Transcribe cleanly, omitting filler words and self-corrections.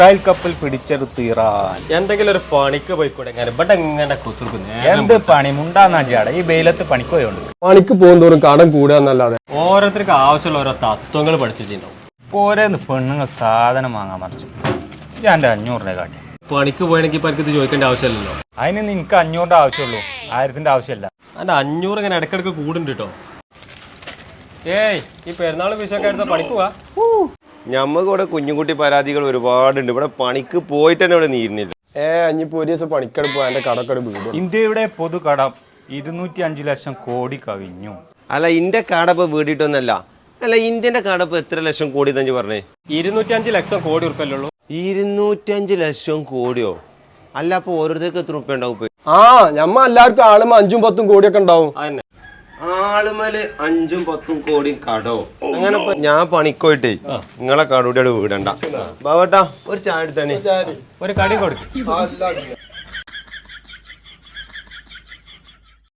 കപ്പൽ പിടിച്ചെടുത്ത് ഇറാൻ എന്തെങ്കിലും ഒരു പണിക്ക് പോയിക്കൂടെ ഇവിടെ എങ്ങനെ കുത്തിരിക്കുന്നു എന്ത് പണി മുണ്ടാന്നാ ഈ വെയിലത്ത് പണിക്ക് പോയോണ്ട് പണിക്ക് പോകുന്തോറും കടം കൂടുകയെന്നല്ലാതെ ഓരോരുത്തർക്ക് ആവശ്യമുള്ള ഓരോ തത്വങ്ങൾ പഠിച്ചിട്ടുണ്ടാവും. പോരേന്ന് പെണ്ണുങ്ങൾ സാധനം വാങ്ങാൻ മറിച്ചു ഞാൻ 500 കാട്ടി പണിക്ക് പോയണെങ്കിൽ ഇപ്പൊ എനിക്ക് ഇത് ചോദിക്കേണ്ട ആവശ്യമില്ലല്ലോ. അതിന് നിനക്ക് 500 ആവശ്യമുള്ളൂ, 1000 ആവശ്യമില്ല. അതിന്റെ 500 ഇങ്ങനെ ഇടക്കിടക്ക് കൂടുണ്ട് കേട്ടോ. ഏയ് ഈ പെരുന്നാൾ വിഷയൊക്കെ എടുത്ത പണിക്ക് പോവാ. ഞമ്മക്ക് ഇവിടെ കുഞ്ഞുകുട്ടി പരാതികൾ ഒരുപാടുണ്ട്. ഇവിടെ പണിക്ക് പോയിട്ട് തന്നെ ഇവിടെ നീരുന്നില്ല. അഞ്ഞിപ്പോ ഒരു ദിവസം പണിക്കെടുപ്പ് എന്റെ കടക്കെടുപ്പ് വീടും. ഇന്ത്യയുടെ പൊതുകടം 205 ലക്ഷം കോടി കവിഞ്ഞു. അല്ല ഇന്റെ കാടപ്പ് വീടിട്ടൊന്നല്ല. അല്ല ഇന്ത്യന്റെ കാടപ്പ് എത്ര ലക്ഷം കോടി തന്നെ പറഞ്ഞേ? 205 ലക്ഷം കോടി ഉറുപ്പല്ലേ ഉള്ളൂ. 205 ലക്ഷം കോടിയോ? അല്ല അപ്പൊ ഓരോരുത്തർക്ക് എത്ര ഉറുപ്പ ഉണ്ടാവും? ഞമ്മ എല്ലാവർക്കും ആളും 5ഉം 10ഉം കോടിയൊക്കെ ഉണ്ടാവും. അതന്നെ ആളുമല് 5ഉം 10ഉം കോടി കടോ? അങ്ങനെ ഞാൻ പണിക്കോയിട്ടേ നിങ്ങളെ കടയുടെ വീടണ്ട. ബാബട്ടാ ഒരു ചായ എടുത്താണ്. ഒരു കടി കൊടുക്കും.